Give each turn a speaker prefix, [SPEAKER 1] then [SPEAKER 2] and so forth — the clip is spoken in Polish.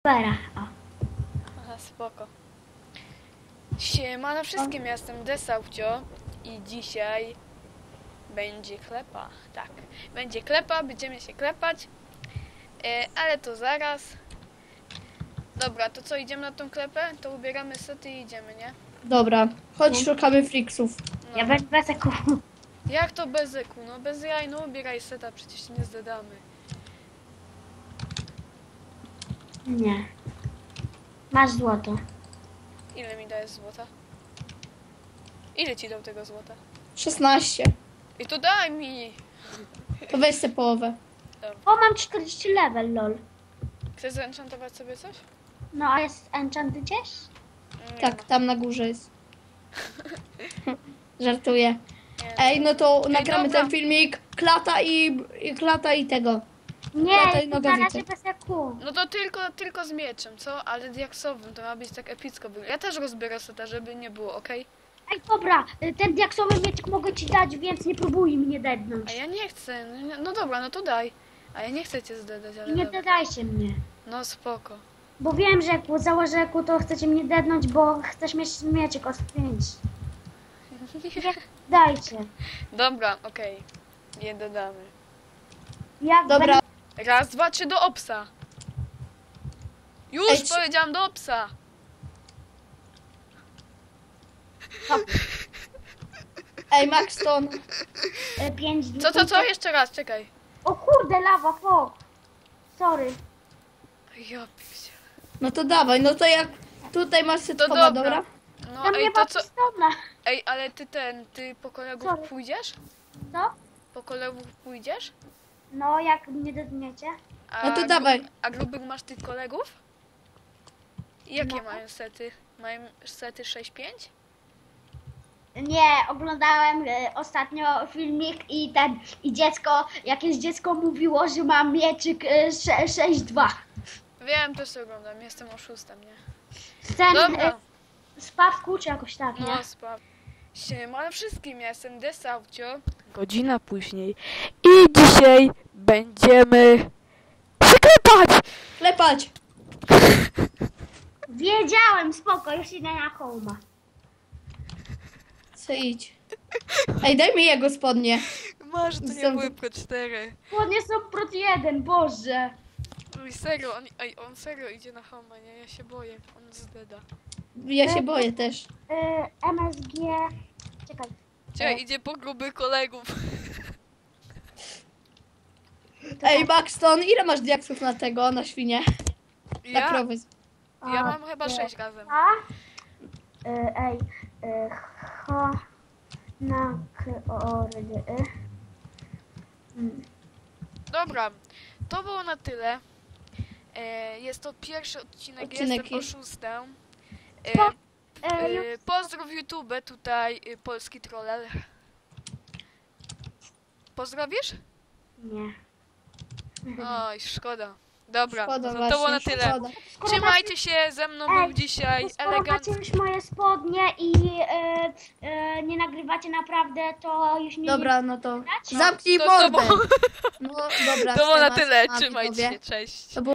[SPEAKER 1] Dobra, o.
[SPEAKER 2] Aha, spoko. Siemano wszystkim, ja jestem Desaufcio i dzisiaj będzie klepa. Tak, będzie klepa, będziemy się klepać, ale to zaraz. Dobra, to co, idziemy na tą klepę? To ubieramy sety i idziemy, nie?
[SPEAKER 3] Dobra, chodź szukamy friksów.
[SPEAKER 2] No.
[SPEAKER 1] Ja bez eku.
[SPEAKER 2] Jak to bez eku? No bez jaj, no ubieraj seta, przecież nie zdadamy.
[SPEAKER 1] Nie. Masz złoto.
[SPEAKER 2] Ile mi dajesz złota? Ile ci dał tego złota?
[SPEAKER 3] 16.
[SPEAKER 2] I to daj mi!
[SPEAKER 3] To weź sobie połowę.
[SPEAKER 1] O, mam 40 level, lol.
[SPEAKER 2] Chcesz zenchantować sobie coś?
[SPEAKER 1] No, a jest enchant gdzieś?
[SPEAKER 2] Nie
[SPEAKER 3] Tak,
[SPEAKER 2] ma.
[SPEAKER 3] tam na górze jest. Żartuję.
[SPEAKER 2] Nie.
[SPEAKER 3] Ej, no to nagramy
[SPEAKER 2] dobra.
[SPEAKER 3] ten filmik. Klata i tego.
[SPEAKER 1] Nie,
[SPEAKER 3] Tutaj
[SPEAKER 1] to na
[SPEAKER 3] nogawice.
[SPEAKER 1] razie bez eku.
[SPEAKER 2] No to tylko z mieczem, co? Ale diaksowym, to ma być tak epicko. Ja też rozbiorę seta, żeby nie było, okej?
[SPEAKER 1] Ej, dobra, ten diaksowy miecz mogę ci dać, więc nie próbuj mnie dednąć.
[SPEAKER 2] A ja nie chcę. No dobra, no to daj. A ja nie chcę cię zdedać, ale
[SPEAKER 1] Nie
[SPEAKER 2] dobra.
[SPEAKER 1] dedajcie mnie.
[SPEAKER 2] No spoko.
[SPEAKER 1] Bo wiem, że jak założę eku, to chcecie mnie dednąć, bo chcesz mieć mieczek o 5. Nie dajcie.
[SPEAKER 2] Dobra, okej. Nie dodamy.
[SPEAKER 1] Jak
[SPEAKER 3] Dobra,
[SPEAKER 2] Raz, dwa, trzy do obsa. Już
[SPEAKER 3] Ej,
[SPEAKER 2] powiedziałam do obsa.
[SPEAKER 3] ej, Maxton.
[SPEAKER 1] 5
[SPEAKER 2] Co? Jeszcze raz, czekaj.
[SPEAKER 1] O kurde, lawa, fok. Sorry.
[SPEAKER 2] Ja pierdzie.
[SPEAKER 3] No to dawaj, no to jak tutaj masz
[SPEAKER 2] To
[SPEAKER 3] setkowa,
[SPEAKER 2] dobra.
[SPEAKER 3] dobra?
[SPEAKER 2] No
[SPEAKER 1] Tam nie
[SPEAKER 2] ej,
[SPEAKER 1] ma
[SPEAKER 2] to co?
[SPEAKER 1] pistona.
[SPEAKER 2] Ej, ale ty po kolegów
[SPEAKER 1] Sorry.
[SPEAKER 2] pójdziesz?
[SPEAKER 1] Co?
[SPEAKER 2] Po kolegów pójdziesz?
[SPEAKER 1] No, jak mnie dedniecie?
[SPEAKER 2] A
[SPEAKER 3] No to dawaj.
[SPEAKER 2] A grubych masz tych kolegów? Jakie
[SPEAKER 1] No.
[SPEAKER 2] mają sety? Mają sety 6-5?
[SPEAKER 1] Nie, oglądałem ostatnio filmik i jakieś dziecko mówiło, że ma mieczyk 6-2.
[SPEAKER 2] Wiem, też to oglądam, jestem oszustem, nie?
[SPEAKER 1] Ten
[SPEAKER 2] Dobra,
[SPEAKER 1] spawku czy jakoś tak, nie?
[SPEAKER 2] no spraw. Siemano wszystkim, ja jestem Desaufcio. Godzina później. I dzisiaj będziemy przyklepać!
[SPEAKER 3] Klepać.
[SPEAKER 1] Wiedziałem, spoko, już idę na hołma.
[SPEAKER 3] Co idź. Ej, daj mi jego spodnie.
[SPEAKER 2] Masz, to
[SPEAKER 3] nie były
[SPEAKER 2] Pro 4.
[SPEAKER 1] Spodnie są prot 1, Boże.
[SPEAKER 2] Oj, serio, on serio idzie na hama, nie? Ja się boję, on zdeda.
[SPEAKER 3] Ja się boję też.
[SPEAKER 1] MSG... Czekaj.
[SPEAKER 2] Czekaj, idzie po grubych kolegów.
[SPEAKER 3] Ej, Maxton, ile masz diaksów na tego, na świnie? Na
[SPEAKER 2] Ja,
[SPEAKER 3] krowy.
[SPEAKER 2] ja mam chyba 6 razem.
[SPEAKER 1] A? Ej, H... Na kordy.
[SPEAKER 2] Dobra, to było na tyle. Jest to pierwszy odcinek, jestem oszustem. Pozdrów YouTube, tutaj polski troller. Pozdrowisz?
[SPEAKER 1] Nie.
[SPEAKER 2] Oj, szkoda. Dobra,
[SPEAKER 3] Szkoda
[SPEAKER 2] to
[SPEAKER 3] właśnie,
[SPEAKER 2] było na tyle.
[SPEAKER 3] szkoda.
[SPEAKER 2] Trzymajcie się, ze mną był dzisiaj
[SPEAKER 1] Skoro macie
[SPEAKER 2] elegancki.
[SPEAKER 1] już moje spodnie i nie nagrywacie naprawdę, to już nie...
[SPEAKER 3] Dobra, no to
[SPEAKER 1] No,
[SPEAKER 3] zamknij
[SPEAKER 2] to
[SPEAKER 3] mordę.
[SPEAKER 2] było-
[SPEAKER 3] No dobra,
[SPEAKER 2] To było na
[SPEAKER 3] siema,
[SPEAKER 2] tyle,
[SPEAKER 3] siema,
[SPEAKER 2] trzymajcie
[SPEAKER 3] widzowie.
[SPEAKER 2] się, cześć.
[SPEAKER 3] To było